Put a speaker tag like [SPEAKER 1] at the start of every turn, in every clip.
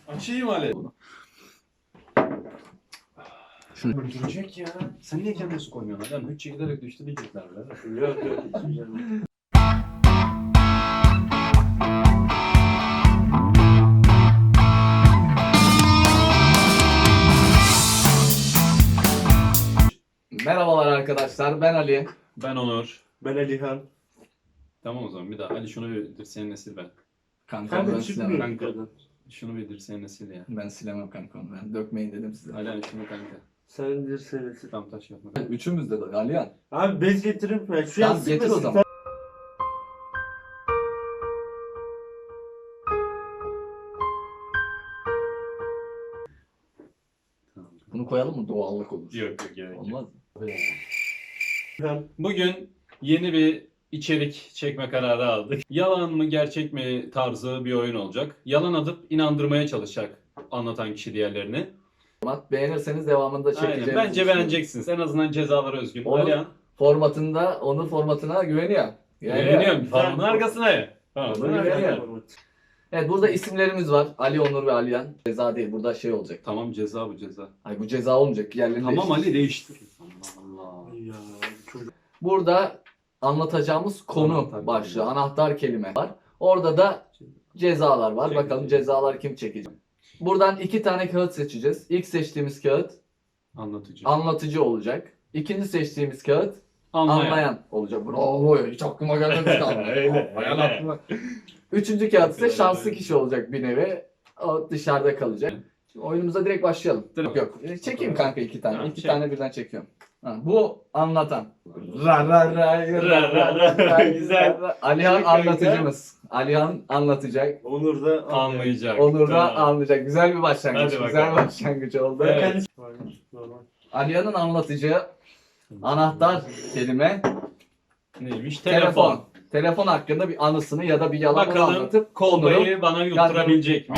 [SPEAKER 1] Açayım Ali.
[SPEAKER 2] Şunu.
[SPEAKER 1] Öldürecek ya. Sen niye kendine su koymuyorsun adam? Hiç giderek düştü diyecekler bile.
[SPEAKER 3] Yok yok.
[SPEAKER 2] Merhabalar arkadaşlar, ben Ali.
[SPEAKER 1] Ben Onur.
[SPEAKER 3] Ben Alihan.
[SPEAKER 1] Tamam o zaman bir daha. Ali şunu bir dirseğine sil ben.
[SPEAKER 2] Kanka
[SPEAKER 3] Kanka
[SPEAKER 2] ben
[SPEAKER 3] çıkmıyor
[SPEAKER 2] silemem.
[SPEAKER 3] yukarıdan.
[SPEAKER 1] Şunu bir dirseğine sil ya.
[SPEAKER 2] Ben silemem kanka onu. Ben dökmeyin dedim size.
[SPEAKER 1] Ali şunu kanka.
[SPEAKER 3] Sen dirsenesin.
[SPEAKER 1] Tam taş yapma.
[SPEAKER 2] Üçümüz de Alihan.
[SPEAKER 3] Abi bez getirin mi? Şu
[SPEAKER 2] Tamam,
[SPEAKER 3] yastık
[SPEAKER 2] getir o
[SPEAKER 3] ve
[SPEAKER 2] zaman.
[SPEAKER 1] Tamam.
[SPEAKER 2] Bunu koyalım mı? Doğallık olur.
[SPEAKER 1] Yok yok gerek yok.
[SPEAKER 2] Olmaz mı?
[SPEAKER 3] Alihan.
[SPEAKER 1] Bugün yeni bir içerik çekme kararı aldık. Yalan mı gerçek mi tarzı bir oyun olacak. Yalan atıp inandırmaya çalışacak anlatan kişi diğerlerini.
[SPEAKER 2] Beğenirseniz devamında çekeceğimiz.
[SPEAKER 1] Aynen. Bence beğeneceksiniz. En azından cezalar özgün.
[SPEAKER 2] Onur-
[SPEAKER 1] Alihan.
[SPEAKER 2] Formatında, onun formatına güveniyor.
[SPEAKER 1] Güveniyorum. Falanın arkasına ya.
[SPEAKER 2] Onur
[SPEAKER 1] Falanın
[SPEAKER 2] güveniyor.
[SPEAKER 1] arkasına.
[SPEAKER 2] Evet, burada isimlerimiz var. Ali, Onur ve Alihan. Ceza değil, burada şey olacak.
[SPEAKER 1] Tamam ceza bu ceza.
[SPEAKER 2] Ay bu ceza olmayacak. Yerlerini
[SPEAKER 1] Tamam
[SPEAKER 2] değiştir.
[SPEAKER 1] Ali değiştir. Allah Allah.
[SPEAKER 3] Ya çocuk.
[SPEAKER 2] Burada anlatacağımız konu
[SPEAKER 1] Anahtar
[SPEAKER 2] başlığı,
[SPEAKER 1] kelime.
[SPEAKER 2] anahtar kelime var. Orada da cezalar var.
[SPEAKER 1] Çekecek.
[SPEAKER 2] Bakalım cezalar kim çekecek. Buradan 2 tane kağıt seçeceğiz. İlk seçtiğimiz kağıt
[SPEAKER 1] Anlatıcı.
[SPEAKER 2] anlatıcı olacak. İkinci seçtiğimiz kağıt
[SPEAKER 1] Anlayan.
[SPEAKER 2] anlayan olacak. Bravo, hiç aklıma gelmemişti.
[SPEAKER 1] Öyle,
[SPEAKER 2] Anlayan
[SPEAKER 1] öyle.
[SPEAKER 2] aklıma. Üçüncü kağıt ise
[SPEAKER 1] Öyle,
[SPEAKER 2] şanslı
[SPEAKER 1] öyle.
[SPEAKER 2] kişi olacak bir nevi. O dışarıda kalacak. Şimdi oyunumuza direkt başlayalım.
[SPEAKER 1] Direkt.
[SPEAKER 2] Yok. Çekeyim kanka 2 tane.
[SPEAKER 1] Tamam,
[SPEAKER 2] 2
[SPEAKER 1] çek.
[SPEAKER 2] tane birden çekiyorum. Ha, bu anlatan. Ra ra ra
[SPEAKER 1] Ra ra ra. Güzel.
[SPEAKER 2] Alihan
[SPEAKER 3] Çek kanka.
[SPEAKER 2] anlatıcımız. Alihan anlatacak.
[SPEAKER 3] Onur da
[SPEAKER 1] Anlayacak.
[SPEAKER 2] Onur da
[SPEAKER 1] Tamam.
[SPEAKER 2] anlayacak. Güzel bir başlangıç.
[SPEAKER 1] Hadi
[SPEAKER 2] Güzel
[SPEAKER 1] bakalım.
[SPEAKER 2] başlangıç oldu.
[SPEAKER 1] Evet.
[SPEAKER 3] Normal.
[SPEAKER 2] Alihan'ın anlatıcı anahtar kelime
[SPEAKER 1] Neymiş?
[SPEAKER 2] telefon. Telefon hakkında bir anısını ya da bir yalanını
[SPEAKER 1] Bakalım
[SPEAKER 2] anlatıp
[SPEAKER 1] kolbayı bana yutturabilecek mi?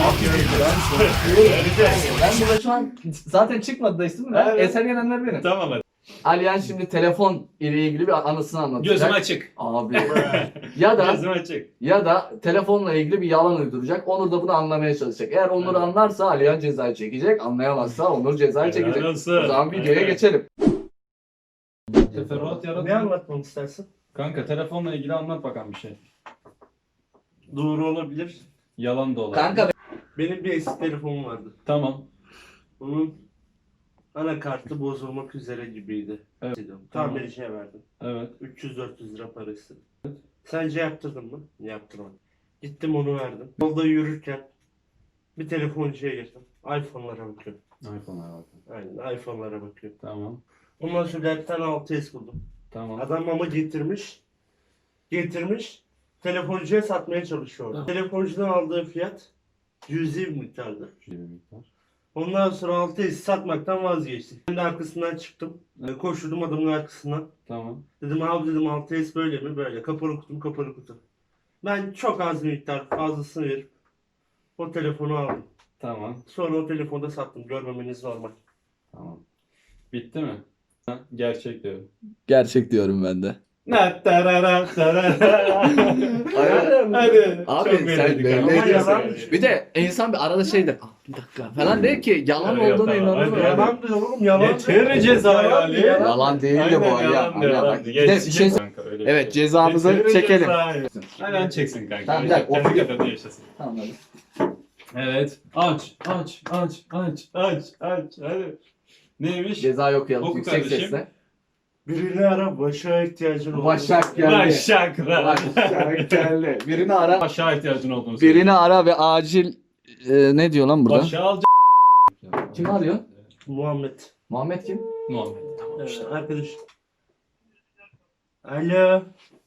[SPEAKER 2] Ben burada şu an zaten çıkmadı da isim mi?
[SPEAKER 1] Evet.
[SPEAKER 2] Eser gelenler benim.
[SPEAKER 1] Tamam hadi.
[SPEAKER 2] Alihan şimdi telefon ile ilgili bir anısını anlatacak.
[SPEAKER 1] Gözüm açık.
[SPEAKER 2] Abi. ya da
[SPEAKER 1] Gözüm açık.
[SPEAKER 2] ya da telefonla ilgili bir yalan uyduracak. Onur da bunu anlamaya çalışacak. Eğer Onur
[SPEAKER 1] Evet.
[SPEAKER 2] anlarsa Alihan cezayı çekecek. Anlayamazsa Onur cezayı çekecek.
[SPEAKER 1] Helal olsun.
[SPEAKER 2] O zaman videoya
[SPEAKER 1] Evet.
[SPEAKER 2] geçelim.
[SPEAKER 1] Teferruat yaratma.
[SPEAKER 3] Ne anlatmamı istersin?
[SPEAKER 1] Kanka telefonla ilgili anlat bakalım bir şey.
[SPEAKER 3] Doğru olabilir.
[SPEAKER 1] Yalan da olabilir.
[SPEAKER 2] Kanka
[SPEAKER 3] Benim bir eski telefonum vardı.
[SPEAKER 1] Tamam.
[SPEAKER 3] Onun anakartı bozulmak üzere gibiydi.
[SPEAKER 1] Evet.
[SPEAKER 3] Tamirciye verdim.
[SPEAKER 1] Evet.
[SPEAKER 3] 300-400 lira para istedim. Sence yaptırdın mı? Yaptırmadım. Gittim onu verdim. Yolda yürürken bir telefoncuya girdim. iPhone'lara bakıyorum.
[SPEAKER 1] iPhone'a bak.
[SPEAKER 3] Aynen iPhone'lara bakıyorum.
[SPEAKER 1] Tamam.
[SPEAKER 3] Ondan sonra bir tane 6S buldum.
[SPEAKER 1] Tamam.
[SPEAKER 3] Adam ama getirmiş, telefoncuya satmaya çalışıyor.
[SPEAKER 1] Tamam.
[SPEAKER 3] Telefoncudan aldığı fiyat cüzi bir miktardı.
[SPEAKER 1] Şöyle bir miktar.
[SPEAKER 3] Ondan sonra 6S satmaktan vazgeçtik. Ben de arkasından çıktım. Koşturdum adamın arkasından.
[SPEAKER 1] Tamam.
[SPEAKER 3] Dedim abi dedim 6S böyle mi? Böyle. Kapalı kutu. Ben çok az bir miktar fazlasını verip o telefonu aldım.
[SPEAKER 1] Tamam.
[SPEAKER 3] Sonra o telefonu da sattım. Görmemeniz normal.
[SPEAKER 1] Tamam. Bitti mi? Ha, gerçek diyorum.
[SPEAKER 2] gerçek diyorum ben de.
[SPEAKER 1] Hadi.
[SPEAKER 2] Abi
[SPEAKER 1] Çok
[SPEAKER 2] sen
[SPEAKER 1] belli
[SPEAKER 2] belli
[SPEAKER 1] kanka.
[SPEAKER 3] ediyorsun.
[SPEAKER 1] Ama
[SPEAKER 2] Bir de insan bir arada şey der. "Ah, bir dakika falan der ki yalan
[SPEAKER 1] Evet,
[SPEAKER 2] olduğuna
[SPEAKER 1] tamam.
[SPEAKER 2] inanır.
[SPEAKER 1] Hadi,
[SPEAKER 2] Ya.
[SPEAKER 3] Yalan diyor oğlum yalan.
[SPEAKER 1] Getir cezayı Ali.
[SPEAKER 2] Yalan değil de bu
[SPEAKER 1] Aynen,
[SPEAKER 2] Ali.
[SPEAKER 1] yalan
[SPEAKER 2] Ali,
[SPEAKER 1] diyor,
[SPEAKER 2] bak,
[SPEAKER 1] yalan
[SPEAKER 2] bir
[SPEAKER 1] diyor.
[SPEAKER 2] de bir şey
[SPEAKER 1] Kanka, öyle bir
[SPEAKER 2] Evet,
[SPEAKER 1] şey.
[SPEAKER 2] cezamızı
[SPEAKER 1] Getir
[SPEAKER 2] çekelim.
[SPEAKER 1] cezayı. Aynen çeksin kanka.
[SPEAKER 2] Tamam, bir dakika,
[SPEAKER 1] Kendi
[SPEAKER 2] oturuyor.
[SPEAKER 1] kafada yaşasın.
[SPEAKER 2] Anladım.
[SPEAKER 1] Evet. Aç. Hadi. Neymiş?
[SPEAKER 2] Cezayı okuyalım
[SPEAKER 1] Oku
[SPEAKER 2] yüksek
[SPEAKER 1] kardeşim.
[SPEAKER 2] sesle.
[SPEAKER 3] Birini ara başa ihtiyacın olur.
[SPEAKER 2] Başak geldi.
[SPEAKER 1] Başak.
[SPEAKER 2] Başak geldi. Birini ara.
[SPEAKER 1] Başa ihtiyacın olduğunu söyle.
[SPEAKER 2] Birini ara ve acil ne diyor lan burada?
[SPEAKER 1] Başa al.
[SPEAKER 2] Kim arıyor?
[SPEAKER 3] Muhammed.
[SPEAKER 2] Muhammed kim?
[SPEAKER 1] Muhammed. Tamam işte.
[SPEAKER 3] Arkadaş. Alo.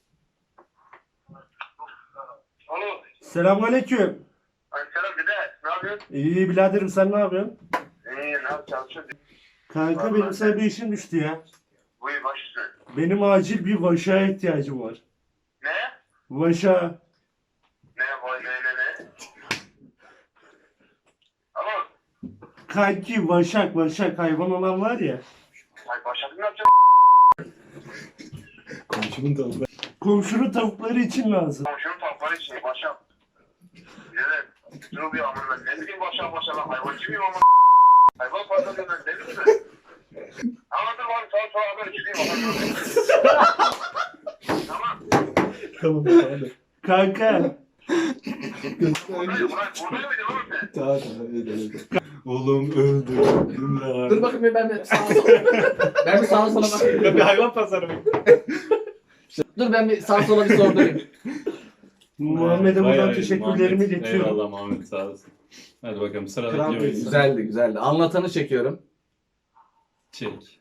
[SPEAKER 4] Alo.
[SPEAKER 3] Selamünaleyküm.
[SPEAKER 4] Selam dede. Ne yapıyorsun?
[SPEAKER 3] İyi biraderim sen ne yapıyorsun?
[SPEAKER 4] İyi ne yapıyorsun? Çalışıyorsun.
[SPEAKER 3] Kanka benim sana bir işim düştü ya.
[SPEAKER 4] Buyur baş üstüne.
[SPEAKER 3] Benim acil bir vaşa ihtiyacım var.
[SPEAKER 4] Ne?
[SPEAKER 3] Vaşa.
[SPEAKER 4] Ne boy ne? Alo.
[SPEAKER 3] Kanki vaşak hayvan olan var ya.
[SPEAKER 4] Ay başladın ne yapacaksın?
[SPEAKER 1] Komşumun da
[SPEAKER 3] Komşunun tavukları için lazım.
[SPEAKER 4] Komşunun tavukları için başa. Dede. Rubi amına ne bileyim başa hayvancı mıyım ama hayvan pazarında ben ne bileyim ben. Anladım abi sonra haber çıkayım. Tamam.
[SPEAKER 3] Tamam. Kanka.
[SPEAKER 4] Buradayım mıydın oğlum sen?
[SPEAKER 2] Tamam.
[SPEAKER 1] Oğlum öldürdüm lan.
[SPEAKER 2] Dur bakayım ben de sağa sola. Ben bir sağa sola bakayım.
[SPEAKER 1] Bir hayvan pazarı mı?
[SPEAKER 2] Dur ben bir sağa sola bir sordurayım.
[SPEAKER 3] Muhammed'e
[SPEAKER 1] Bayağı
[SPEAKER 3] buradan
[SPEAKER 1] iyi,
[SPEAKER 3] teşekkürlerimi
[SPEAKER 1] Muhammed.
[SPEAKER 3] iletiyorum.
[SPEAKER 1] Eyvallah Muhammed sağ olasın. Hadi bakalım sıradaki
[SPEAKER 3] Kral
[SPEAKER 1] oyun.
[SPEAKER 3] değilsin.
[SPEAKER 2] Güzeldi güzeldi. Anlatanı çekiyorum.
[SPEAKER 1] Çek.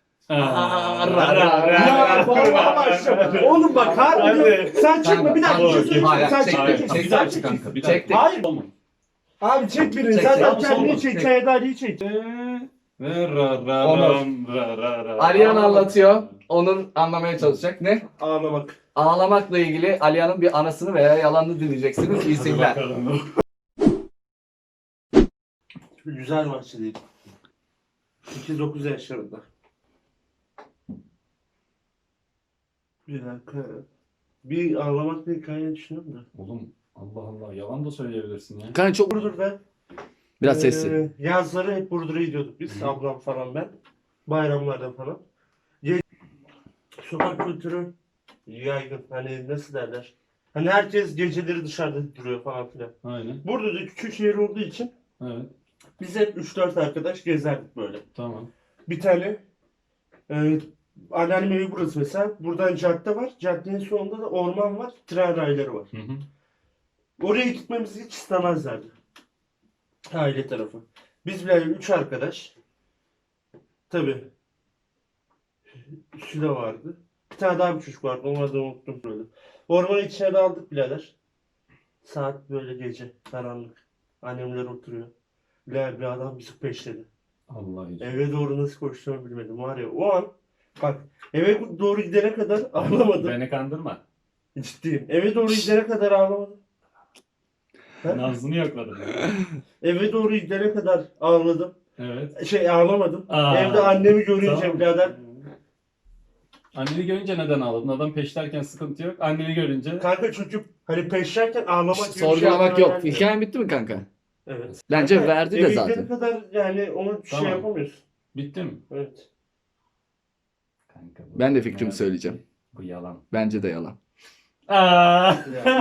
[SPEAKER 3] Ya vallahi başlama. Oğlum bak harbi. Sen çekme bir dakika.
[SPEAKER 2] Kanka,
[SPEAKER 3] Bir şey söyleyeyim.
[SPEAKER 2] hayır,
[SPEAKER 3] Sen
[SPEAKER 2] çek,
[SPEAKER 3] çekme.
[SPEAKER 2] çek,
[SPEAKER 3] Sen
[SPEAKER 2] çek,
[SPEAKER 3] çek.
[SPEAKER 2] çek kanka.
[SPEAKER 1] Bir
[SPEAKER 2] Çektik.
[SPEAKER 1] dakika.
[SPEAKER 3] Hayır.
[SPEAKER 1] Olma.
[SPEAKER 3] Abi çek birini.
[SPEAKER 2] Çek,
[SPEAKER 3] Zaten
[SPEAKER 2] çek.
[SPEAKER 3] kendini
[SPEAKER 2] Çek.
[SPEAKER 3] çek. Çayda Ali'yi çek.
[SPEAKER 1] Ve ra ra
[SPEAKER 2] Onur.
[SPEAKER 1] ram, ra ra ra.
[SPEAKER 2] Alihan anlatıyor. Onur anlamaya çalışacak. Ne?
[SPEAKER 3] Ağlamak.
[SPEAKER 2] Ağlamakla ilgili Alihan'ın bir anasını veya yalanını dinleyeceksiniz. İyi
[SPEAKER 1] Hadi
[SPEAKER 2] seyirler.
[SPEAKER 1] bakalım.
[SPEAKER 3] Güzel maçtı değil. 8-9 yaşlarında. Bir dakika. Bir ağlamak bir hikaye düşünüyorum da.
[SPEAKER 1] Oğlum Allah Allah yalan da söyleyebilirsin ya.
[SPEAKER 2] Kanka çok
[SPEAKER 3] Burdur'da
[SPEAKER 2] biraz sesli.
[SPEAKER 3] yazları hep Burdur'a gidiyorduk biz. Ablam falan ben. Bayramlarda falan. Sokak kültürü yaygın. Hani nasıl derler? Hani herkes geceleri dışarıda duruyor falan filan.
[SPEAKER 1] Aynen.
[SPEAKER 3] Burada da küçük şehir olduğu için
[SPEAKER 1] Evet.
[SPEAKER 3] biz hep 3-4 arkadaş gezerdik böyle.
[SPEAKER 1] Tamam.
[SPEAKER 3] Bir tane anneannem evi burası mesela. Buradan cadde var. Caddenin sonunda da orman var. Tren rayları var.
[SPEAKER 1] Hı hı.
[SPEAKER 3] Oraya gitmemizi hiç istemezlerdi. Aile tarafı. Biz bile 3 arkadaş. Tabii. Sülo vardı. Bir tane daha bir çocuk vardı. Onu da unuttum böyle. Ormanın içine daldık birader. Saat böyle gece. Karanlık. Annemler oturuyor. Bir adam bizi peşledi.
[SPEAKER 1] Allah için.
[SPEAKER 3] Eve doğru nasıl koştuğumu bilmedim var ya o an bak eve doğru gidene kadar ağlamadım.
[SPEAKER 1] Beni kandırma.
[SPEAKER 3] Ciddiyim. Eve doğru gidene kadar ağlamadım. Ha?
[SPEAKER 1] Nazlını yokladım.
[SPEAKER 3] Eve doğru gidene kadar ağladım.
[SPEAKER 1] Evet.
[SPEAKER 3] Ağlamadım.
[SPEAKER 1] Aa,
[SPEAKER 3] Evde annemi görünce
[SPEAKER 1] tamam.
[SPEAKER 3] birader.
[SPEAKER 1] Anneni görünce neden ağladın? Adam peşlerken sıkıntı yok. Anneni görünce
[SPEAKER 3] Kanka çocuk hani peşlerken ağlamak gibi bir şey
[SPEAKER 2] Sorgulamak
[SPEAKER 3] aklıma
[SPEAKER 2] yok.
[SPEAKER 3] gelmiyor.
[SPEAKER 2] Hikayen bitti mi kanka?
[SPEAKER 3] Evet.
[SPEAKER 2] Bence
[SPEAKER 3] Kanka,
[SPEAKER 2] verdi de
[SPEAKER 3] eve
[SPEAKER 2] zaten.
[SPEAKER 3] gidene kadar yani onu
[SPEAKER 1] Tamam.
[SPEAKER 3] şey yapamıyorsun.
[SPEAKER 1] bitti mi?
[SPEAKER 3] Evet.
[SPEAKER 1] Kanka, bu-
[SPEAKER 2] Ben de fikrimi söyleyeceğim.
[SPEAKER 1] Bu yalan.
[SPEAKER 2] Bence de yalan.
[SPEAKER 1] Aa.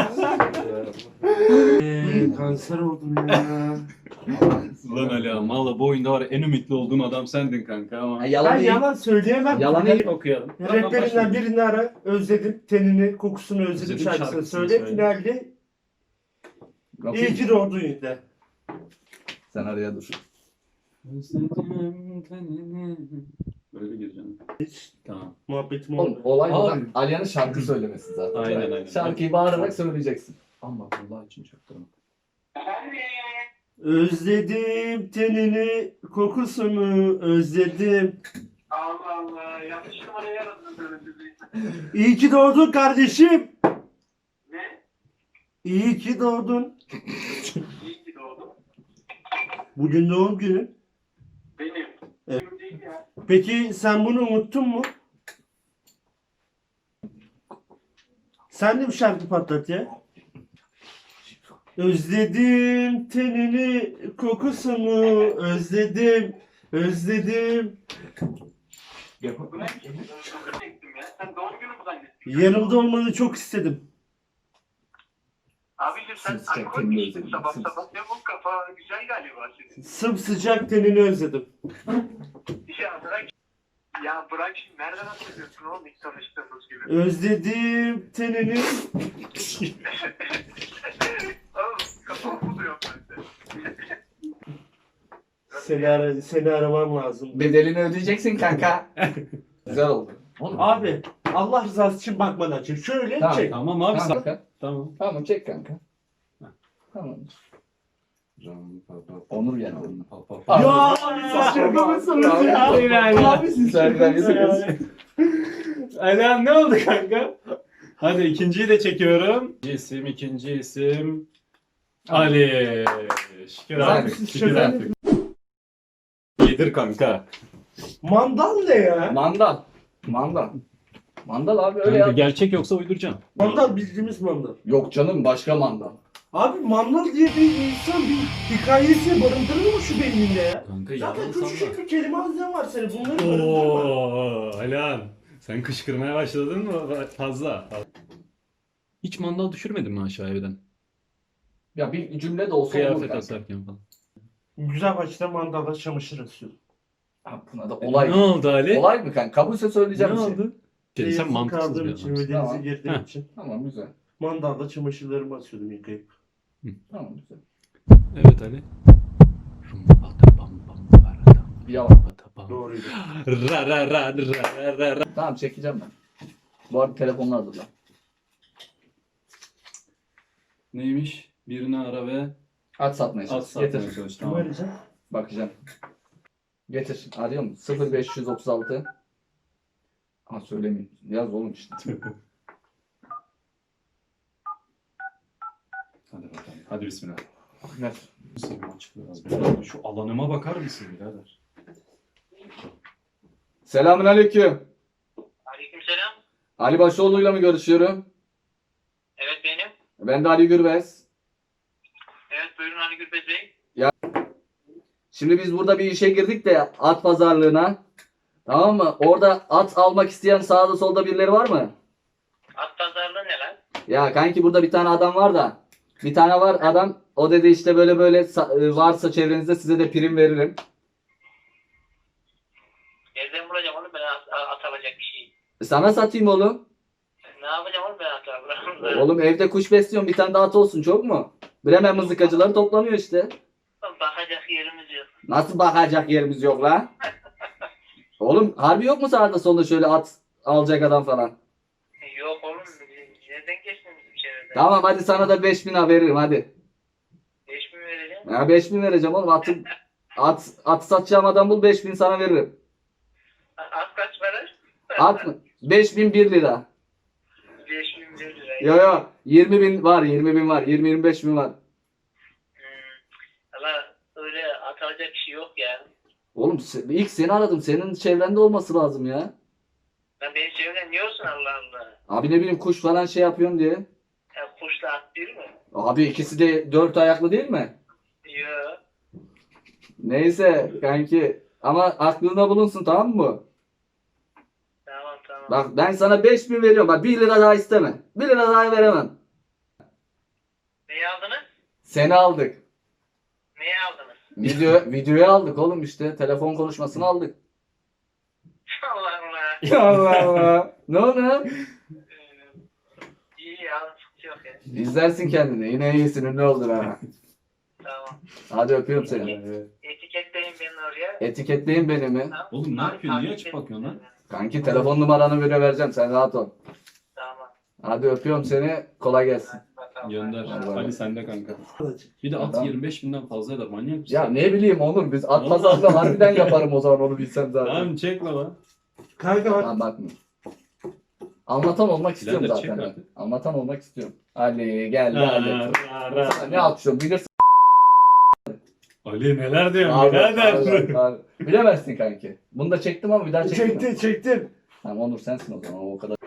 [SPEAKER 3] Kanser oldum ya.
[SPEAKER 1] Lan Ali valla bu oyunda var ya, en ümitli olduğum adam sendin kanka ama.
[SPEAKER 3] Ben
[SPEAKER 2] Yalan değil.
[SPEAKER 3] yalan söyleyemem.
[SPEAKER 2] Yalan
[SPEAKER 3] Yani
[SPEAKER 2] değil.
[SPEAKER 1] Okuyalım.
[SPEAKER 3] Raplerinden birini ara. Özledim. Tenini, kokusunu özledim
[SPEAKER 1] Özledim
[SPEAKER 3] şarkısını
[SPEAKER 1] şarkısını
[SPEAKER 3] söyle.
[SPEAKER 1] söyle.
[SPEAKER 3] Finalde iyi ki doğdun yine.
[SPEAKER 2] Sen araya dur.
[SPEAKER 1] Böyle gireceğim.
[SPEAKER 3] Hiç
[SPEAKER 1] Tamam.
[SPEAKER 3] muhabbetim
[SPEAKER 2] Oğlum
[SPEAKER 3] oldu.
[SPEAKER 2] olay
[SPEAKER 1] Abi.
[SPEAKER 2] buradan Alihan'ın şarkı söylemesi zaten.
[SPEAKER 1] Aynen, aynen.
[SPEAKER 2] Şarkıyı bağırarak söyleyeceksin.
[SPEAKER 1] Ama Allah için çok tamam.
[SPEAKER 3] Özledim tenini, kokusunu özledim.
[SPEAKER 4] Allah Allah yanlış numarayı aradınız öyle sizi.
[SPEAKER 3] İyi ki doğdun kardeşim.
[SPEAKER 4] Ne?
[SPEAKER 3] İyi ki doğdun.
[SPEAKER 4] İyi ki doğdun.
[SPEAKER 3] Bugün doğum günün.
[SPEAKER 4] Benim.
[SPEAKER 3] Evet.
[SPEAKER 4] Benim değil ya.
[SPEAKER 3] Peki sen bunu unuttun mu? Sen de bir şarkı patlat ya. Özledim tenini, kokusunu özledim, özledim.
[SPEAKER 4] Bu ne? Çektim ya. Sen doğum günü mü zannettin?
[SPEAKER 3] Yanımda olmanı çok istedim.
[SPEAKER 4] Abicim sen
[SPEAKER 2] Sıcak
[SPEAKER 4] alkol
[SPEAKER 2] tenini
[SPEAKER 4] mü içtin
[SPEAKER 2] özledim,
[SPEAKER 4] sabah
[SPEAKER 2] sıcak.
[SPEAKER 4] sabah? Ne bu kafa güzel galiba senin.
[SPEAKER 3] Sımsıcak tenini özledim.
[SPEAKER 4] Ya bırak. Ya bırak şimdi nereden hatırlıyorsun oğlum ilk tanıştığımız gibi.
[SPEAKER 3] Özledim tenini.
[SPEAKER 4] Oğlum kafam buluyor bende.
[SPEAKER 3] Seni aramam lazım.
[SPEAKER 2] Bedelini ödeyeceksin kanka. Güzel oldu.
[SPEAKER 3] Abi Allah rızası için bakmadan çek. Şöyle
[SPEAKER 2] Tamam,
[SPEAKER 3] çek.
[SPEAKER 1] Tamam abi
[SPEAKER 2] Tamam
[SPEAKER 1] sen.
[SPEAKER 2] kanka.
[SPEAKER 1] Tamam.
[SPEAKER 2] Tamam çek kanka. Tamam. Onur geldi.
[SPEAKER 3] Ya siz şaka mısınız ya?
[SPEAKER 2] Abi siz şarkılar yapıyorsunuz.
[SPEAKER 1] Ali ne oldu kanka? Hadi ikinciyi de çekiyorum. İkinci isim Ali. Şükür
[SPEAKER 2] Güzel,
[SPEAKER 1] artık.
[SPEAKER 3] siz
[SPEAKER 1] Şükür
[SPEAKER 3] şaka
[SPEAKER 1] artık. Yedir kanka.
[SPEAKER 3] Mandal ne ya?
[SPEAKER 2] Mandal. Mandal. Mandal abi öyle
[SPEAKER 1] Kanka,
[SPEAKER 2] ya.
[SPEAKER 1] gerçek yoksa uyduracağım.
[SPEAKER 3] Mandal bildiğimiz mandal.
[SPEAKER 2] Yok canım başka mandal.
[SPEAKER 3] Abi mandal diye bir insan bir hikayesi barındırır mı şu beyninde ya?
[SPEAKER 1] Kanka
[SPEAKER 3] Zaten
[SPEAKER 1] yalan
[SPEAKER 3] küçücük
[SPEAKER 1] sanma.
[SPEAKER 3] bir kelime hazinen var senin. Bunları barındırma.
[SPEAKER 1] Oo, Alan. Sen kışkırmaya başladın mı fazla? Hiç mandal düşürmedin mi aşağı evden?
[SPEAKER 2] Ya bir cümle de olsa olur
[SPEAKER 1] Kıyafet
[SPEAKER 2] kanka.
[SPEAKER 1] asarken falan.
[SPEAKER 3] Güzel başta mandalla çamaşır asıyorum.
[SPEAKER 2] Ha, buna da olay.
[SPEAKER 1] Ne oldu Ali?
[SPEAKER 2] Olay mı kanka? Kabulse söyleyeceğim
[SPEAKER 1] Ne
[SPEAKER 2] bir şey.
[SPEAKER 1] oldu? Sen
[SPEAKER 3] Yazın
[SPEAKER 1] mantıksız bir
[SPEAKER 3] kaldığım için ve
[SPEAKER 1] adamsın.
[SPEAKER 3] denize
[SPEAKER 2] Tamam.
[SPEAKER 3] girdiğim
[SPEAKER 1] Heh.
[SPEAKER 3] için
[SPEAKER 2] Tamam güzel.
[SPEAKER 3] mandalla çamaşırlarımı asıyordum yıkayıp.
[SPEAKER 2] Tamam güzel.
[SPEAKER 1] Evet Ali.
[SPEAKER 2] Bir yalan.
[SPEAKER 3] Doğruydu.
[SPEAKER 1] Ra ra ra ra ra ra.
[SPEAKER 2] Tamam çekeceğim ben. Bu arada telefonunu hazırla.
[SPEAKER 1] Neymiş? Birini ara ve
[SPEAKER 2] Aç satmaya
[SPEAKER 1] at
[SPEAKER 2] çalış.
[SPEAKER 1] satmaya
[SPEAKER 2] Getir.
[SPEAKER 1] çalış.
[SPEAKER 3] Kim
[SPEAKER 1] Tamam.
[SPEAKER 3] arayacağım?
[SPEAKER 2] Bakacağım. Getir. Arıyor mu? 0536. Ha söylemeyeyim. Yaz oğlum işte.
[SPEAKER 1] Hadi bakalım. Hadi bismillah.
[SPEAKER 2] Ver.
[SPEAKER 1] Senin açık biraz birader. Şu alanıma bakar mısın birader?
[SPEAKER 2] Selamünaleyküm.
[SPEAKER 4] Aleykümselam.
[SPEAKER 2] Ali Başoğlu'yla mı görüşüyorum?
[SPEAKER 4] Evet benim.
[SPEAKER 2] Ben de Ali Gürbez.
[SPEAKER 4] Evet buyurun Ali Gürbez Bey.
[SPEAKER 2] Şimdi biz burada bir işe girdik de at pazarlığına. Tamam mı? Orada at almak isteyen sağda solda birileri var mı?
[SPEAKER 4] At pazarlığı ne lan?
[SPEAKER 2] Ya kanki burada bir tane adam var da. Bir tane var adam. O dedi işte böyle böyle varsa çevrenizde size de prim veririm.
[SPEAKER 4] Nereden bulacağım oğlum ben at alacak bir şey.
[SPEAKER 2] Sana satayım oğlum.
[SPEAKER 4] Ne yapacağım oğlum ben at alacağım?
[SPEAKER 2] Oğlum evde kuş besliyorum. Bir tane de at olsun çok mu? Bremen mızıkacıları toplanıyor işte.
[SPEAKER 4] Bakacak yerimiz yok.
[SPEAKER 2] Nasıl bakacak yerimiz yok la? Oğlum harbi yok mu sağda solda şöyle at alacak adam falan?
[SPEAKER 4] Yok oğlum. Nereden geçtin bizim çevreden?
[SPEAKER 2] Tamam hadi sana da 5.000 lira veririm hadi.
[SPEAKER 4] 5 mi vereceğim?
[SPEAKER 2] Ya 5.000 vereceğim oğlum. At satacağım adam bul 5.000 sana veririm.
[SPEAKER 4] At kaç para?
[SPEAKER 2] At mı? 5.001 lira.
[SPEAKER 4] 5.000 lira.
[SPEAKER 2] Yo yo 20.000 var 20.000 var 20-25.000 var.
[SPEAKER 4] Valla öyle at alacak bir şey yok ya.
[SPEAKER 2] Oğlum ilk seni aradım. Senin çevrende olması lazım ya.
[SPEAKER 4] Lan benim çevremden niye olsun Allah Allah?
[SPEAKER 2] Abi ne bileyim kuş falan şey yapıyorsun diye.
[SPEAKER 4] Ya kuşla at bir mi?
[SPEAKER 2] Abi ikisi de 4 ayaklı değil mi?
[SPEAKER 4] Yok.
[SPEAKER 2] Neyse kanki. Ama aklında bulunsun tamam mı?
[SPEAKER 4] Tamam tamam.
[SPEAKER 2] Bak ben sana 5.000 veriyorum. Bak 1 lira daha isteme. 1 lira daha veremem.
[SPEAKER 4] Neyi aldınız?
[SPEAKER 2] Seni aldık.
[SPEAKER 4] Neyi aldınız?
[SPEAKER 2] Videoyu aldık oğlum işte. Telefon konuşmasını aldık.
[SPEAKER 4] Allah Allah.
[SPEAKER 2] Allah Allah. Ne oldu?
[SPEAKER 4] İyi ya sıkıntı yok ya.
[SPEAKER 2] İzlersin kendini. Yine iyisin. Ünlü oldun ha.
[SPEAKER 4] Tamam.
[SPEAKER 2] Hadi öpüyorum seni.
[SPEAKER 4] Etiketleyin beni oraya.
[SPEAKER 2] Etiketleyin beni mi?
[SPEAKER 4] Tamam.
[SPEAKER 1] Oğlum ne yapıyorsun? Niye
[SPEAKER 4] Takip
[SPEAKER 1] açıp bakıyorsun lan?
[SPEAKER 4] edin.
[SPEAKER 2] Kanki telefon numaranı bile vereceğim. Sen rahat ol.
[SPEAKER 4] Tamam.
[SPEAKER 2] Hadi öpüyorum seni. Kolay gelsin.
[SPEAKER 4] Bakalım.
[SPEAKER 1] Gönder.
[SPEAKER 2] Hadi bay bay.
[SPEAKER 1] Ali sende kanka. Bir de at
[SPEAKER 2] Tamam.
[SPEAKER 1] 25.000'den fazla eder. Manyak mısın?
[SPEAKER 2] Ya ne bileyim oğlum biz at
[SPEAKER 1] Vallahi.
[SPEAKER 2] pazarlığı harbiden yaparım o zaman onu bilsem zaten.
[SPEAKER 1] Tamam çekme lan.
[SPEAKER 3] Kanka bak.
[SPEAKER 2] Tamam bakma. Anlatan olmak istiyorum
[SPEAKER 1] Birader,
[SPEAKER 2] zaten.
[SPEAKER 1] çek
[SPEAKER 2] ben.
[SPEAKER 1] artık.
[SPEAKER 2] Anlatan olmak istiyorum. Ali geldi
[SPEAKER 1] Ra,
[SPEAKER 2] Ali.
[SPEAKER 1] ra, ra.
[SPEAKER 2] Sana ne alkışlıyorum bilirsin.
[SPEAKER 1] Ali neler diyorsun
[SPEAKER 2] Abi,
[SPEAKER 1] birader?
[SPEAKER 2] abi, abi. Bilemezsin kanki. Bunu da çektim ama bir daha çektim.
[SPEAKER 3] Çektim.
[SPEAKER 2] Tamam Onur sensin o zaman o kadar.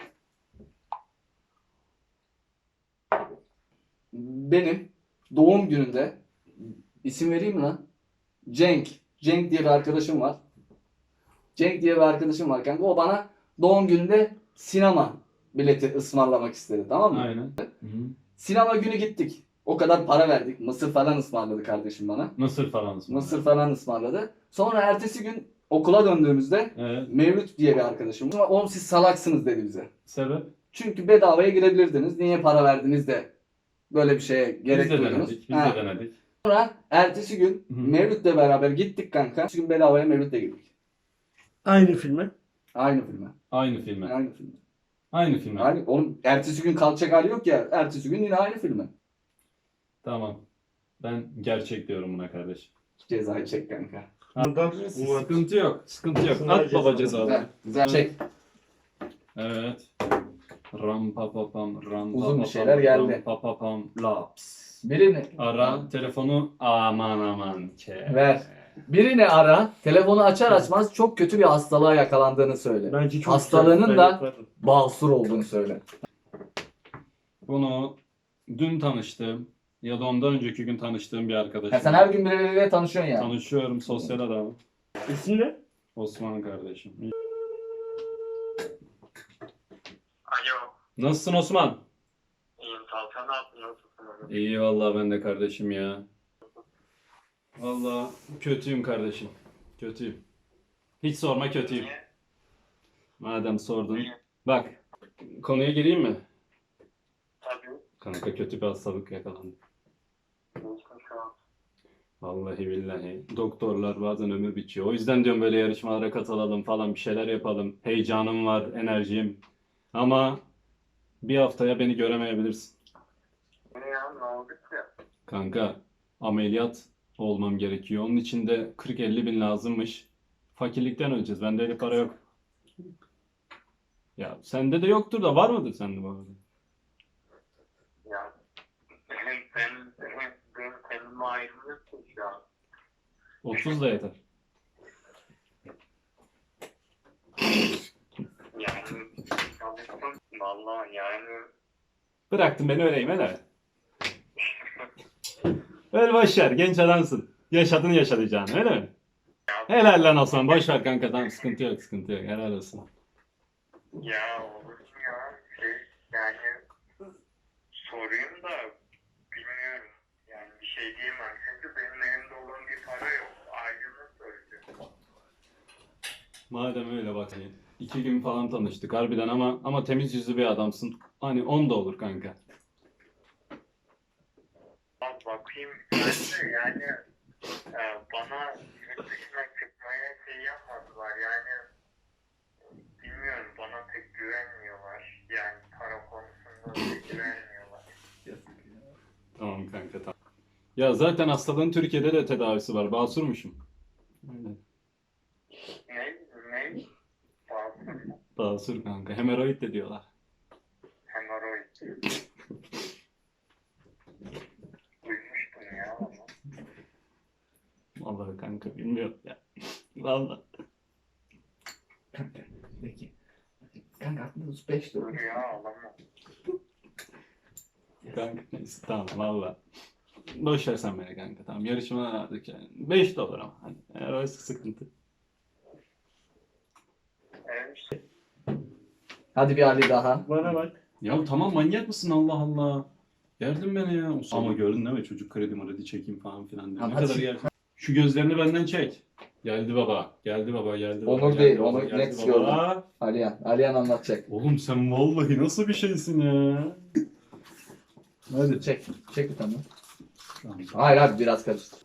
[SPEAKER 2] Benim doğum gününde isim vereyim mi lan? Cenk. Cenk diye bir arkadaşım var. Cenk diye bir arkadaşım var kanka. O bana doğum gününde sinema bileti ısmarlamak istedi tamam mı?
[SPEAKER 1] Aynen. Hı.
[SPEAKER 2] Sinema günü gittik. O kadar para verdik. Mısır falan ısmarladı kardeşim bana.
[SPEAKER 1] Mısır falan.
[SPEAKER 2] Mısır falan ısmarladı. Sonra ertesi gün okula döndüğümüzde
[SPEAKER 1] Evet.
[SPEAKER 2] Mevlüt diye bir arkadaşım var. Oğlum siz salaksınız dedi bize.
[SPEAKER 1] Sebep?
[SPEAKER 2] Çünkü bedavaya girebilirdiniz. Niye para verdiniz de böyle bir şeye gerek
[SPEAKER 1] Biz de
[SPEAKER 2] duydunuz?
[SPEAKER 1] denedik. Biz
[SPEAKER 2] Ha.
[SPEAKER 1] de denedik.
[SPEAKER 2] Sonra ertesi gün
[SPEAKER 1] Hı hı.
[SPEAKER 2] Mevlüt'le beraber gittik kanka. Ertesi gün bedavaya Mevlüt'le gittik.
[SPEAKER 3] Aynı filme.
[SPEAKER 2] Aynı filme.
[SPEAKER 1] Aynı filme.
[SPEAKER 2] Aynı filme.
[SPEAKER 1] Aynı filme.
[SPEAKER 2] Aynı, oğlum ertesi gün kalacak hali yok ya. Ertesi gün yine aynı filme.
[SPEAKER 1] Tamam. Ben gerçek diyorum buna kardeş.
[SPEAKER 2] Cezayı çek kanka.
[SPEAKER 3] Buradan
[SPEAKER 1] Sıkıntı yok. Sıkıntı yok.
[SPEAKER 3] Sınav
[SPEAKER 1] At baba
[SPEAKER 3] cezası.
[SPEAKER 1] cezaları.
[SPEAKER 2] Güzel çek.
[SPEAKER 1] Evet. Ram pa pa pam ram pa
[SPEAKER 2] Uzun bir
[SPEAKER 1] pa
[SPEAKER 2] şeyler
[SPEAKER 1] pam,
[SPEAKER 2] geldi.
[SPEAKER 1] ram pa pa pam laps.
[SPEAKER 2] Birini
[SPEAKER 1] Ara telefonu aman aman ke.
[SPEAKER 2] ver. Birini ara. Telefonu açar açmaz çok kötü bir hastalığa yakalandığını söyle.
[SPEAKER 3] Bence çok
[SPEAKER 2] Hastalığının
[SPEAKER 3] güzel. Ben
[SPEAKER 2] da-
[SPEAKER 3] yaparım.
[SPEAKER 2] Basur olduğunu söyle.
[SPEAKER 1] Bunu dün tanıştım. Ya da ondan önceki gün tanıştığım bir arkadaşım.
[SPEAKER 2] Ya sen her gün birileriyle tanışıyorsun yani.
[SPEAKER 1] Tanışıyorum, sosyal adamım.
[SPEAKER 3] İsmi ne?
[SPEAKER 1] Osman kardeşim.
[SPEAKER 4] Alo.
[SPEAKER 1] Nasılsın Osman?
[SPEAKER 4] İyiyim Talkan, ne yaptın? Nasılsın?
[SPEAKER 1] İyi vallahi ben de kardeşim ya. Vallahi kötüyüm kardeşim. Kötüyüm. Hiç sorma kötüyüm.
[SPEAKER 4] Niye?
[SPEAKER 1] Madem sordun.
[SPEAKER 4] Niye?
[SPEAKER 1] Bak, konuya gireyim mi?
[SPEAKER 4] Tabii.
[SPEAKER 1] Kanka kötü bir hastalık yakalandı.
[SPEAKER 4] Geçmiş şu an.
[SPEAKER 1] Vallahi billahi. Doktorlar bazen ömür bitiyor. O yüzden diyorum böyle yarışmalara katılalım falan bir şeyler yapalım. Heyecanım var, enerjim. Ama bir haftaya beni göremeyebilirsin.
[SPEAKER 4] Ne ya? Ne oldu ki?
[SPEAKER 1] Kanka ameliyat olmam gerekiyor. Onun için de 40-50 bin lazımmış. Fakirlikten öleceğiz. Bende öyle para yok. Ya sende de yoktur da var mıdır sende bu arada?
[SPEAKER 4] Ya benim kendime ayrılıyorsun şu an.
[SPEAKER 1] 30 da yeter.
[SPEAKER 4] Yani çalıştım. Vallahi yani
[SPEAKER 1] Bıraktın beni öleyim hele. Öl boş ver. Genç adamsın. Yaşadın yaşayacağını öyle mi? Helal lan Osman. Boş ver kanka. Tamam sıkıntı yok sıkıntı yok. Helal olsun.
[SPEAKER 4] ya olur mu ya? Yani sorayım da bilmiyorum. Yani bir şey diyemem. Çünkü benim elimde olan bir para yok. Aileme söyleyeceğim.
[SPEAKER 1] Madem öyle bak. 2 gün falan tanıştık harbiden ama temiz yüzlü bir adamsın. Hani 10 da olur kanka.
[SPEAKER 4] Al bakayım. Bence yani bana yurt dışına çıkmaya şey yapmadılar. Yani bilmiyorum, bana pek güvenmiyorlar. Yani para konusunda pek güvenmiyorlar.
[SPEAKER 1] Tamam kanka tamam. Ya zaten hastalığın Türkiye'de de tedavisi var. Basurmuşum. Öyle.
[SPEAKER 4] Ne? Ne? Basur mu?
[SPEAKER 1] Basur kanka. Hemoroid de diyorlar.
[SPEAKER 4] Hemoroid. Duymuştum ya onu.
[SPEAKER 1] Vallahi kanka bilmiyorum ya. Vallahi.
[SPEAKER 2] Kanka peki. Kanka aklında 5
[SPEAKER 4] Dur ya, alamam.
[SPEAKER 1] Kanka neyse tamam valla. Boş ver sen beni kanka tamam yarışmadan aldık yani. 5 dolar ama hani eğer oysa sıkıntı.
[SPEAKER 4] Evet.
[SPEAKER 2] Hadi bir Ali daha.
[SPEAKER 3] Bana bak.
[SPEAKER 1] Ya tamam manyak mısın Allah Allah. Gerdin beni ya. Ama gördün değil mi çocuk kredi çekeyim falan filan diyor. Ne
[SPEAKER 2] Hadi.
[SPEAKER 1] kadar gerçek. Şu gözlerini benden çek. Geldi baba. Geldi baba. Geldi baba.
[SPEAKER 2] Onur
[SPEAKER 1] geldi
[SPEAKER 2] değil,
[SPEAKER 1] baba,
[SPEAKER 2] Onur
[SPEAKER 1] geldi
[SPEAKER 2] net
[SPEAKER 1] baba.
[SPEAKER 2] gördüm. Aliyan. Aliyan anlatacak.
[SPEAKER 1] Oğlum sen vallahi nasıl bir şeysin ya. Hadi.
[SPEAKER 2] Çek. Çek bir tane.
[SPEAKER 1] Tamam.
[SPEAKER 2] Hayır abi biraz karıştır.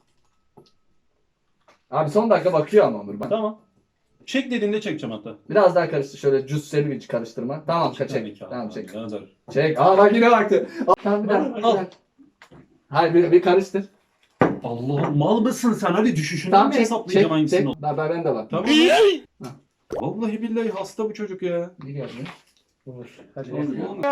[SPEAKER 2] Abi son dakika bakıyor ama Onur. Bak.
[SPEAKER 1] Tamam. Çek dediğinde çekeceğim hatta.
[SPEAKER 2] Biraz daha karıştır. Şöyle cüsseli bir karıştırma. Tamam
[SPEAKER 1] Tabii
[SPEAKER 2] çek.
[SPEAKER 1] ki abi,
[SPEAKER 2] Tamam çek.
[SPEAKER 1] birader.
[SPEAKER 2] Çek. Aa bak yine baktı. Tamam bir daha.
[SPEAKER 1] Al.
[SPEAKER 2] Bir daha. Hayır bir karıştır.
[SPEAKER 1] Allah'ım mal mısın sen? Hadi düşüşünden
[SPEAKER 2] Tamam
[SPEAKER 1] mi
[SPEAKER 2] çek.
[SPEAKER 1] hesaplayacağım
[SPEAKER 2] Çek.
[SPEAKER 1] hangisini?
[SPEAKER 2] Çek. Ben de bak.
[SPEAKER 1] Tamam. Vallahi billahi hasta bu çocuk ya.
[SPEAKER 2] Bir geldi.
[SPEAKER 3] Olur. Hadi.
[SPEAKER 1] Oğlum,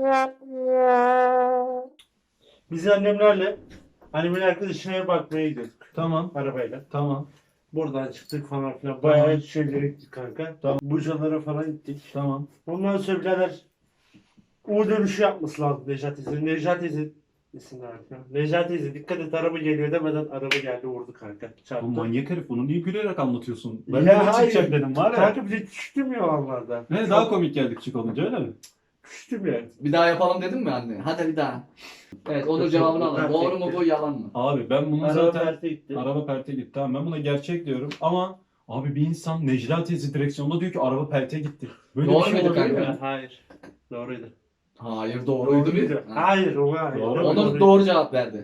[SPEAKER 3] Biz annemlerle annemin arkadaşına bakmaya gidiyorduk
[SPEAKER 1] Tamam.
[SPEAKER 3] arabayla.
[SPEAKER 1] Tamam.
[SPEAKER 3] Buradan çıktık falan filan. Bayağı şeylere gittik kanka.
[SPEAKER 1] Tamam.
[SPEAKER 3] Bucalara falan gittik.
[SPEAKER 1] Tamam.
[SPEAKER 3] Ondan sonra birader U dönüşü yapması lazım Nejat teyze. Nejat teyze isimler ya. Nejat teyze dikkat et araba geliyor demeden araba geldi vurdu kanka. Çarptı.
[SPEAKER 1] Bu manyak herif bunu niye gülerek anlatıyorsun? Ben
[SPEAKER 3] Ya
[SPEAKER 1] de
[SPEAKER 3] hayır.
[SPEAKER 1] çıkacak dedim var ya.
[SPEAKER 3] Kanka bize düştüm ya onlardan.
[SPEAKER 1] Ne daha komik geldik küçük olunca öyle mi?
[SPEAKER 3] Düştüm ya.
[SPEAKER 2] Bir daha yapalım dedim mi anne? Hadi bir daha. Evet Onur
[SPEAKER 3] Yok,
[SPEAKER 2] cevabını
[SPEAKER 3] yok,
[SPEAKER 2] alalım.
[SPEAKER 3] yok,
[SPEAKER 2] Doğru mu
[SPEAKER 3] yok.
[SPEAKER 2] bu yalan mı?
[SPEAKER 1] Abi ben bunu
[SPEAKER 3] Araba
[SPEAKER 1] zaten
[SPEAKER 3] perte gitti.
[SPEAKER 1] araba perte gitti. Tamam ben buna gerçek diyorum ama abi bir insan Necla teyze direksiyonda diyor ki araba perte gitti. Böyle
[SPEAKER 2] Doğru
[SPEAKER 1] bir şey
[SPEAKER 2] muydu
[SPEAKER 1] olabilir
[SPEAKER 2] kanka?
[SPEAKER 1] mi?
[SPEAKER 3] Hayır. Doğruydu.
[SPEAKER 2] Hayır doğruydu bir. Ha.
[SPEAKER 3] Hayır o hayır.
[SPEAKER 1] Doğru.
[SPEAKER 2] Onur doğru cevap verdi.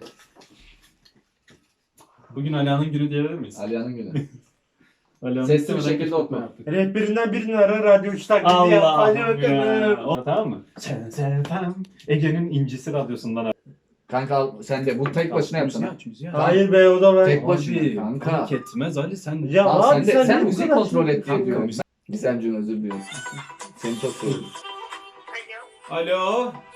[SPEAKER 1] Bugün Alihan'ın günü diyebilir miyiz?
[SPEAKER 2] Aliyan'ın günü.
[SPEAKER 1] Alihan'ın
[SPEAKER 2] Sesli bir
[SPEAKER 1] istemeden
[SPEAKER 2] şekilde
[SPEAKER 1] kışkırtma
[SPEAKER 2] oku.
[SPEAKER 1] yaptık.
[SPEAKER 3] Rehberinden birini ara radyo 3 taklidi yap. Hadi
[SPEAKER 1] Allah'ım
[SPEAKER 3] bakalım.
[SPEAKER 1] ya. Tamam mı? Sen sevmem. Ege'nin incisi radyosundan.
[SPEAKER 2] Kanka al, sen de bu tek başına yapsana.
[SPEAKER 1] Müziği aç.
[SPEAKER 3] Hayır be o da ben.
[SPEAKER 2] Tek başına
[SPEAKER 1] Abi,
[SPEAKER 2] kanka.
[SPEAKER 1] fark etmez Ali sen.
[SPEAKER 3] Ya
[SPEAKER 2] Al
[SPEAKER 3] abi
[SPEAKER 2] sen de
[SPEAKER 3] sen
[SPEAKER 2] sen
[SPEAKER 3] bu
[SPEAKER 2] müzik
[SPEAKER 3] kadar
[SPEAKER 2] kontrol et
[SPEAKER 3] şey
[SPEAKER 2] diyor.
[SPEAKER 1] yapıyorsun.
[SPEAKER 2] Gizemciğim özür diliyorum. Seni çok seviyorum.
[SPEAKER 4] Alo.
[SPEAKER 1] Alo.
[SPEAKER 4] Efendim?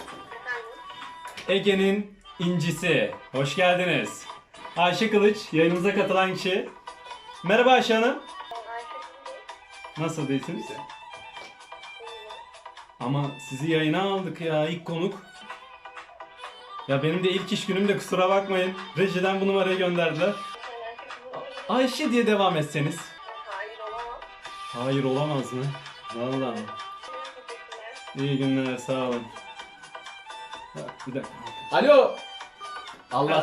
[SPEAKER 1] Ege'nin incisi. Hoş geldiniz. Ayşe Kılıç yayınımıza katılan kişi. Merhaba Ayşe Hanım. Nasıl değilsiniz? Ama sizi yayına aldık ya ilk konuk. Ya benim de ilk iş günüm de kusura bakmayın. Rejiden bu numarayı gönderdiler. Ayşe diye devam etseniz.
[SPEAKER 5] Hayır olamaz.
[SPEAKER 1] Hayır olamaz mı? Vallahi. İyi günler, sağ olun. Ya, bir dakika.
[SPEAKER 2] Alo. Allah.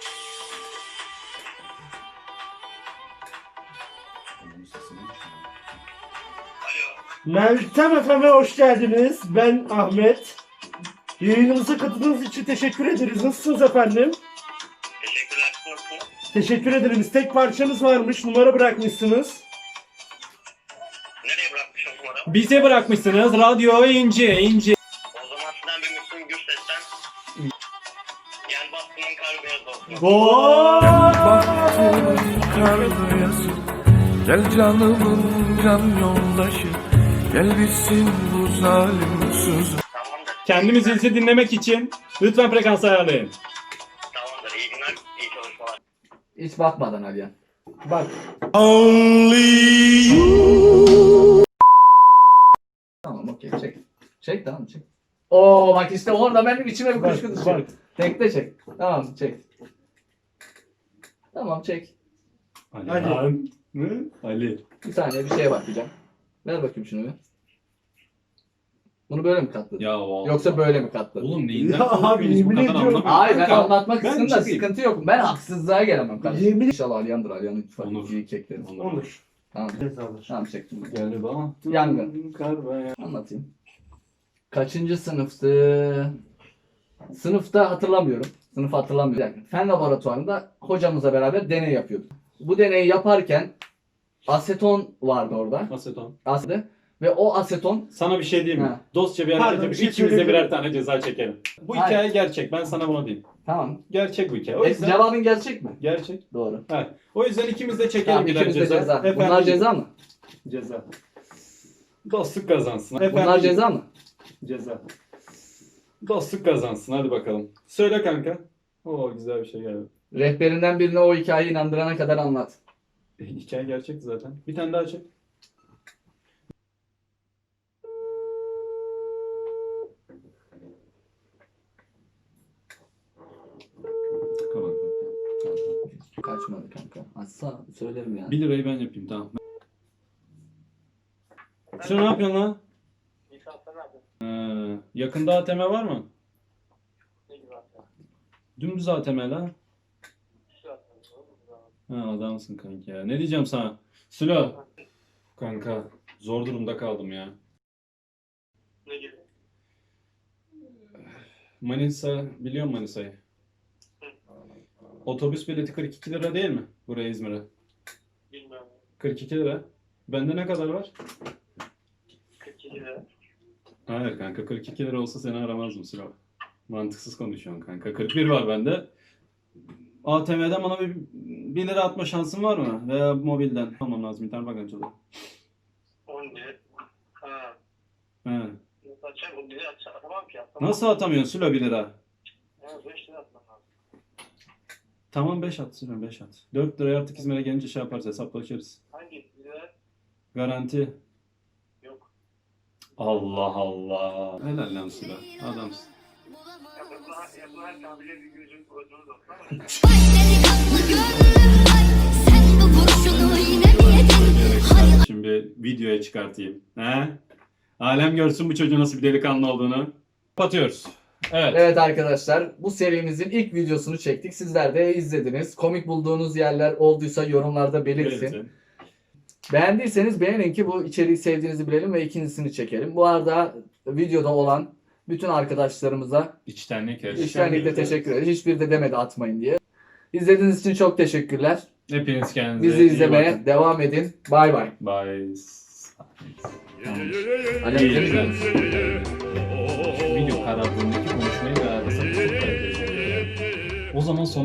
[SPEAKER 3] Meltem Efem'e hoş geldiniz. Ben Ahmet. Yayınımıza katıldığınız için teşekkür ederiz. Nasılsınız efendim?
[SPEAKER 4] Teşekkürler. Nasılsınız?
[SPEAKER 3] Teşekkür ederiz. Tek parçanız varmış. Numara bırakmışsınız.
[SPEAKER 4] Nereye bırakmışım numaramı?
[SPEAKER 1] Bize bırakmışsınız radyo ince.
[SPEAKER 4] O zaman sizden bir Müslüm Gürses'ten Gel bastımın kar beyaz olsun.
[SPEAKER 6] Kar beyazı, gel canımın can yoldaşı, gel bitsin bu zalim sözü.
[SPEAKER 4] Tamamdır.
[SPEAKER 1] Kendimizi dinlemek için lütfen frekans ayarlayın.
[SPEAKER 4] Tamamdır. İyi günler. İyi çalışmalar.
[SPEAKER 2] Hiç bakmadan Aliyan.
[SPEAKER 3] Bak.
[SPEAKER 2] Tamam okey çek. Çek tamam çek. Oo bak işte orada benim içime bir kuşku
[SPEAKER 3] Bak,
[SPEAKER 2] düşüyor.
[SPEAKER 3] bak.
[SPEAKER 2] Tekte çek. Tamam çek. Tamam çek.
[SPEAKER 3] Ali.
[SPEAKER 1] Ali.
[SPEAKER 2] Bir saniye bir şeye bakacağım. Ver bakayım şunu bir. Bunu böyle mi katladın?
[SPEAKER 1] Ya o.
[SPEAKER 2] Yoksa böyle mi katladın?
[SPEAKER 1] Oğlum neyinden
[SPEAKER 3] Ya abi,
[SPEAKER 1] korkuyorsunuz bu
[SPEAKER 3] yemin
[SPEAKER 1] kadar
[SPEAKER 3] ediyorum.
[SPEAKER 1] anlamıyorum.
[SPEAKER 2] Hayır ben
[SPEAKER 1] Kanka,
[SPEAKER 2] anlatmak
[SPEAKER 1] ben
[SPEAKER 2] istedim de
[SPEAKER 1] çıkayım.
[SPEAKER 2] sıkıntı yok. Ben haksızlığa gelemem kardeşim.
[SPEAKER 3] Yemin
[SPEAKER 2] İnşallah Aliyan'dır. Aliyan'ın ittifak
[SPEAKER 1] Onur.
[SPEAKER 2] iyi keklerim.
[SPEAKER 3] Olur.
[SPEAKER 2] Tamam.
[SPEAKER 3] Cezalar.
[SPEAKER 2] Tamam çektim.
[SPEAKER 1] Galiba.
[SPEAKER 2] Yangın.
[SPEAKER 1] Kar beyaz.
[SPEAKER 2] Anlatayım. Kaçıncı sınıftı? Sınıfta hatırlamıyorum. Sınıfı hatırlamıyorum. Yani fen laboratuvarında hocamızla beraber deney yapıyorduk. Bu deneyi yaparken aseton vardı orada.
[SPEAKER 1] Aseton.
[SPEAKER 2] Aseton. Ve o aseton
[SPEAKER 1] Sana bir şey diyeyim mi?
[SPEAKER 2] Ha.
[SPEAKER 1] Dostça bir
[SPEAKER 3] Pardon,
[SPEAKER 1] hareket
[SPEAKER 3] bir
[SPEAKER 1] yapıp
[SPEAKER 3] şey
[SPEAKER 1] ikimiz de
[SPEAKER 3] söyleyebilir
[SPEAKER 1] birer tane ceza çekelim. Bu
[SPEAKER 2] Hayır.
[SPEAKER 1] hikaye gerçek. Ben sana bunu diyeyim.
[SPEAKER 2] tamam.
[SPEAKER 1] Gerçek bu hikaye. O yüzden
[SPEAKER 2] Cevabın gerçek mi?
[SPEAKER 1] gerçek.
[SPEAKER 2] Doğru.
[SPEAKER 1] Evet. O yüzden ikimiz de çekelim
[SPEAKER 2] Tamam
[SPEAKER 1] birer
[SPEAKER 2] ikimiz de ceza.
[SPEAKER 1] Efendim,
[SPEAKER 2] Bunlar ceza mı?
[SPEAKER 1] Ceza. Dostluk kazansın.
[SPEAKER 2] Bunlar
[SPEAKER 1] Efendim,
[SPEAKER 2] ceza mı?
[SPEAKER 1] Ceza. Dostluk kazansın. Hadi bakalım. Söyle kanka. Oo güzel bir şey geldi.
[SPEAKER 2] Rehberinden birine o hikayeyi inandırana kadar anlat.
[SPEAKER 1] Hikaye gerçek zaten. Bir tane daha çek. Kapat.
[SPEAKER 2] Kaçmadı kanka. Açsa söylerim yani.
[SPEAKER 1] 1 lirayı ben yapayım tamam. Şu ne yapıyorsun lan? Yakında ATM var mı? Dümdüz ATM lan. Ha adamsın kanka ya. Ne diyeceğim sana? Sülo. Kanka zor durumda kaldım ya.
[SPEAKER 4] Ne gibi?
[SPEAKER 1] Manisa biliyor musun Manisa'yı? Otobüs bileti 42 lira değil mi? Buraya İzmir'e.
[SPEAKER 4] Bilmiyorum.
[SPEAKER 1] 42 lira. Bende ne kadar var?
[SPEAKER 4] 42 lira.
[SPEAKER 1] Hayır kanka 42 lira olsa seni aramazdım Sülo. Mantıksız konuşuyorsun kanka. 41 var bende. ATM'den bana bir 1 lira atma şansın var mı? Veya mobilden. Almam lazım. İnternet bankacılığı.
[SPEAKER 4] 17. Ha.
[SPEAKER 1] He.
[SPEAKER 4] Nasıl açacağım? Bu bizi atamam ki. Atamam.
[SPEAKER 1] Nasıl atamıyorsun Sülo 1 lira?
[SPEAKER 4] Ha, 5 lira atmam lazım.
[SPEAKER 1] Tamam 5 at Sülo 5 at. 4 liraya artık İzmir'e gelince şey yaparız hesaplaşırız.
[SPEAKER 4] Hangi lira?
[SPEAKER 1] Garanti.
[SPEAKER 4] Yok.
[SPEAKER 1] Allah Allah. Helal lan Sülo. Adamsın.
[SPEAKER 4] Yapılan tabire bir gözüm koydunuz olsun ama.
[SPEAKER 7] Vay delikanlı gönlüm vay, sen bu kurşunu yine mi yedin? Hay
[SPEAKER 1] Şimdi videoya çıkartayım. He? Alem görsün bu çocuğun nasıl bir delikanlı olduğunu. Kapatıyoruz. Evet.
[SPEAKER 2] Evet arkadaşlar bu serimizin ilk videosunu çektik. Sizler de izlediniz. Komik bulduğunuz yerler olduysa yorumlarda belirtin.
[SPEAKER 1] Belirtin.
[SPEAKER 2] Beğendiyseniz beğenin ki bu içeriği sevdiğinizi bilelim ve ikincisini çekelim. Bu arada videoda olan bütün arkadaşlarımıza
[SPEAKER 1] İçtenlik.
[SPEAKER 2] içtenlikle teşekkür ederiz. Hiçbiri de demedi atmayın diye. İzlediğiniz için çok teşekkürler.
[SPEAKER 1] Hepiniz kendinize
[SPEAKER 2] Bizi
[SPEAKER 1] iyi
[SPEAKER 2] izlemeye
[SPEAKER 1] bakın.
[SPEAKER 2] devam edin. Bay bay.
[SPEAKER 1] Bye.
[SPEAKER 2] Ali
[SPEAKER 1] İyi
[SPEAKER 2] Emre
[SPEAKER 1] günler.
[SPEAKER 2] mi?
[SPEAKER 1] Video karardığındaki konuşmayı ve arasında çok kaliteli. O zaman son